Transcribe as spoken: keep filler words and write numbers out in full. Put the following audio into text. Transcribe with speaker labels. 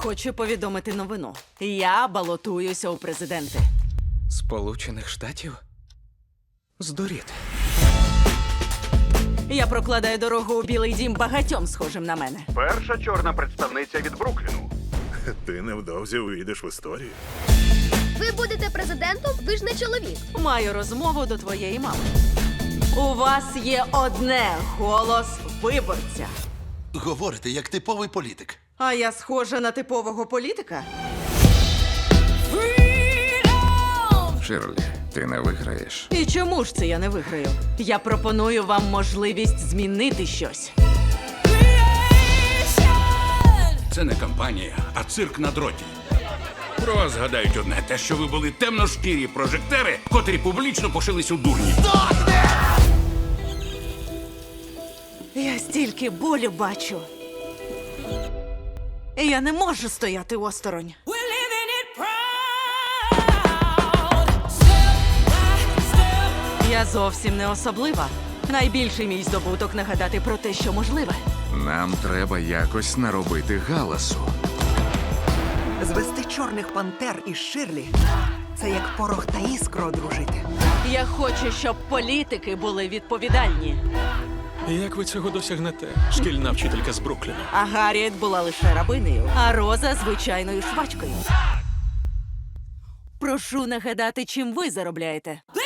Speaker 1: Хочу повідомити новину. Я балотуюся у президенти.
Speaker 2: Сполучених Штатів? Здуріти.
Speaker 1: Я прокладаю дорогу у Білий дім багатьом схожим на мене.
Speaker 3: Перша чорна представниця від Брукліну.
Speaker 4: Ти невдовзі увійдеш в історію.
Speaker 5: Ви будете президентом? Ви ж не чоловік.
Speaker 1: Маю розмову до твоєї мами. У вас є одне голос виборця.
Speaker 6: Говорите, як типовий політик.
Speaker 1: А я схожа на типового політика?
Speaker 2: Ширлі, ти не виграєш.
Speaker 1: І чому ж це я не виграю? Я пропоную вам можливість змінити щось.
Speaker 7: Це не кампанія, а цирк на дроті. Про вас згадають одне, те, що ви були темношкірі прожектери, котрі публічно пошились у дурні.
Speaker 1: Я стільки болю бачу. І я не можу стояти осторонь. Я зовсім не особлива. Найбільший мій здобуток нагадати про те, що можливе.
Speaker 2: Нам треба якось наробити галасу.
Speaker 8: Звести чорних пантер із Ширлі – це як порох та іскру одружити.
Speaker 1: Я хочу, щоб політики були відповідальні.
Speaker 9: Як ви цього досягнете? Шкільна вчителька з Брукліну.
Speaker 1: А Гарріет була лише рабинею, а Роза – звичайною швачкою. Прошу нагадати, чим ви заробляєте.